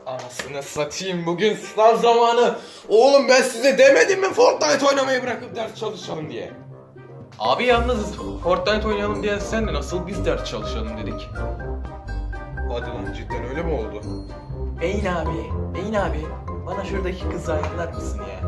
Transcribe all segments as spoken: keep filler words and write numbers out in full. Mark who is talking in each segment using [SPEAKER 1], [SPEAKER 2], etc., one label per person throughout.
[SPEAKER 1] Anasını satayım, bugün sınav zamanı. Oğlum ben size demedim mi Fortnite oynamayı bırakıp ders çalışalım diye?
[SPEAKER 2] Abi yalnız Fortnite oynayalım diye sen de nasıl biz ders çalışalım dedik.
[SPEAKER 1] Hadi lan, cidden öyle mi oldu?
[SPEAKER 2] Beyin abi, Beyin abi. Bana şuradaki kızı ayarlar mısın ya?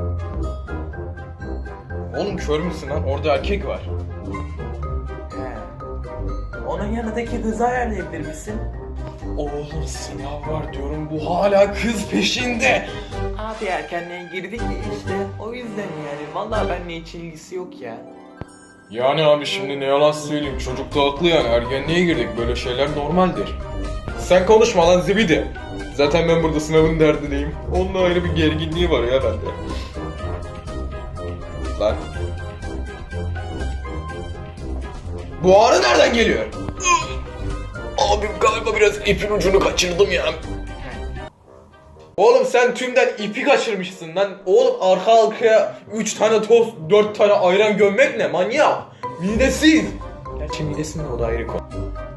[SPEAKER 1] Oğlum kör müsün lan? Orada erkek var.
[SPEAKER 2] He. Onun yanındaki kızı ayarlayabilir misin?
[SPEAKER 1] Oğlum sınav var diyorum, bu hala kız peşinde.
[SPEAKER 2] Abi erkenliğe girdik ya işte. O yüzden yani. Vallahi benimle hiç ilgisi yok ya.
[SPEAKER 1] Yani abi şimdi ne yalan söyleyeyim, çocuk da haklı yani, ergenliğe girdik, böyle şeyler normaldir. Sen konuşma lan zibidi. Zaten ben burada sınavın derdindeyim. Onunla ayrı bir gerginliği var ya bende. Lan. Bu ağrı nereden geliyor? Abim galiba biraz ipin ucunu kaçırdım ya. Oğlum sen tümden ipi kaçırmışsın lan. Oğlum arka arkaya üç tane tost, dört tane ayran gömmek ne manyak? Midesiz. Gerçi midesinde o da ayrı konu.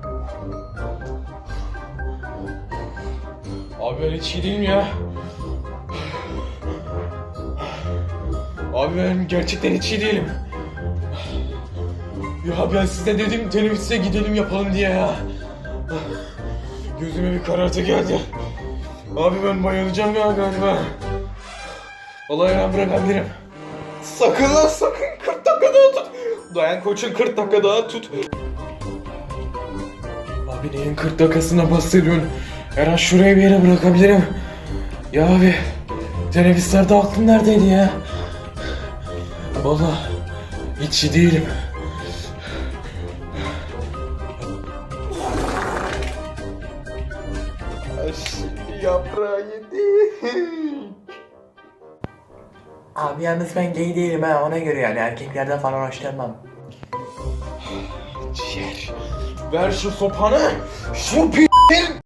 [SPEAKER 1] Abi ben hiç iyi değilim ya. Abi ben gerçekten hiç iyi değilim. Ya ben size dedim teneffüse gidelim yapalım diye ya. Gözüme bir karartı geldi. Abi ben bayılacağım ya galiba. Vallahi ben bırakabilirim. Sakın lan sakın, kırk dakika daha tut. Dayan koçun, kırk dakika daha tut. Abi neyin kırk dakikasına bahsediyorsun? Her an şuraya bir yere bırakabilirim. Ya abi teneffüslerde aklım neredeydi ya? Vallahi hiç iyi değilim. Şimdi yaprağı yedi.
[SPEAKER 2] Abi yalnız ben gay değilim ha, ona göre yani erkeklerden falan hoşlanmam.
[SPEAKER 1] Ciğer. Ver şu sopanı. Şu p***in